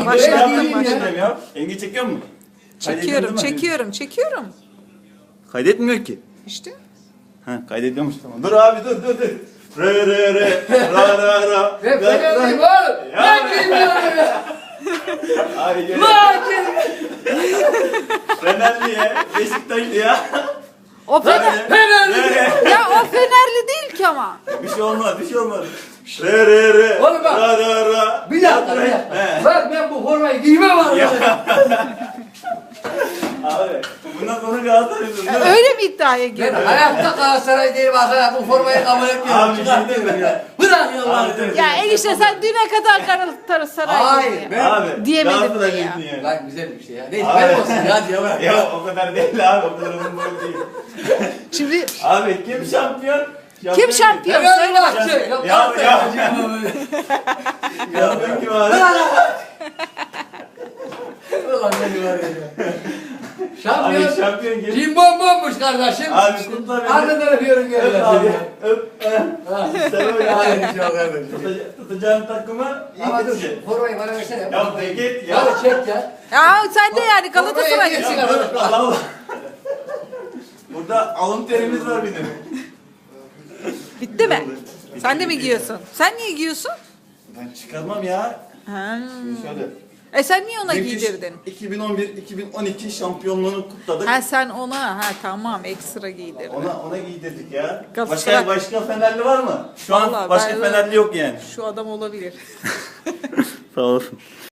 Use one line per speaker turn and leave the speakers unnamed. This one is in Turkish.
Başlattım.
Ya. Yenge çekiyor mu?
Çekiyorum.
Kaydetmiyor ki.
İşte.
Ha, kaydediyormuş tamam. Dur abi dur. Re ra.
Ve Fenerli var. Ben bilmiyorum ya.
Abi gel.
Lakin.
Fenerli ya. Beşiktaşlı ya.
O Fener.
Fenerli.
Ya o Fenerli değil ki ama.
Bir şey olmaz. Re.
Oğlum bak.
Ra.
Bir dakika. Bak ben bu formayı giymem abi.
Abi bundan sonra Galatasaray'ın.
Öyle mi iddiaya
Ben
giriyor?
hayatta Galatasaray değilim arkadaşlar. Bu formayı kabul etmiyorum.
Abi,
Çıkartıyorum ya. Bırak ya Allah'ını.
Ya enişte sen düne kadar Galatasaray
Hayır, ben-
Abi
Diyemedim
Galatasaraylısın
ya.
ya.
Lan güzel bir şey ya. Neyse
Abi.
ben olsun ya diye bırak.
Ya o kadar değil abi. O kadar uzun boy değil.
Şimdi
Abi kim şampiyon?
kim şampiyon?
Fener
Söyle
var.
bakayım.
Yok
Ya,
Galatasaray.
Şampiyon kim abi?
Ulan beni var ya.
Abi
Şampiyon.
şampiyon kim?
Cimbom bomboş kardeşim.
Abi kutla beni.
Ardından öpüyorum
Öp
gönlüm.
abi. Öp. Sen öyle
Hayır
abi.
çok kardeşim.
Tutacağın takımı
Ama
iyi
dur
gidecek.
formayı bana versene.
Ya de git ya.
Ya çek ya.
Ya sen de yani
Formayı
Galatasaray.
niye
Ya dur, Allah Allah. Burada alın terimiz var bizim.
Bitti mi? Sen de mi giyiyorsun? Sen niye giyiyorsun?
Ben çıkarmam ya.
Ha.
Şöyle.
Sen niye ona
Müthiş
giydirdin?
2011-2012 şampiyonluğunu kutladık.
Ha sen ona tamam ekstra giydirdin.
Ona giydirdik ya.
Galatasaray-
Başka Fenerli var mı? Şu an
Vallahi
başka
ben-
Fenerli yok yani.
Şu adam olabilir.
Sağ olasın.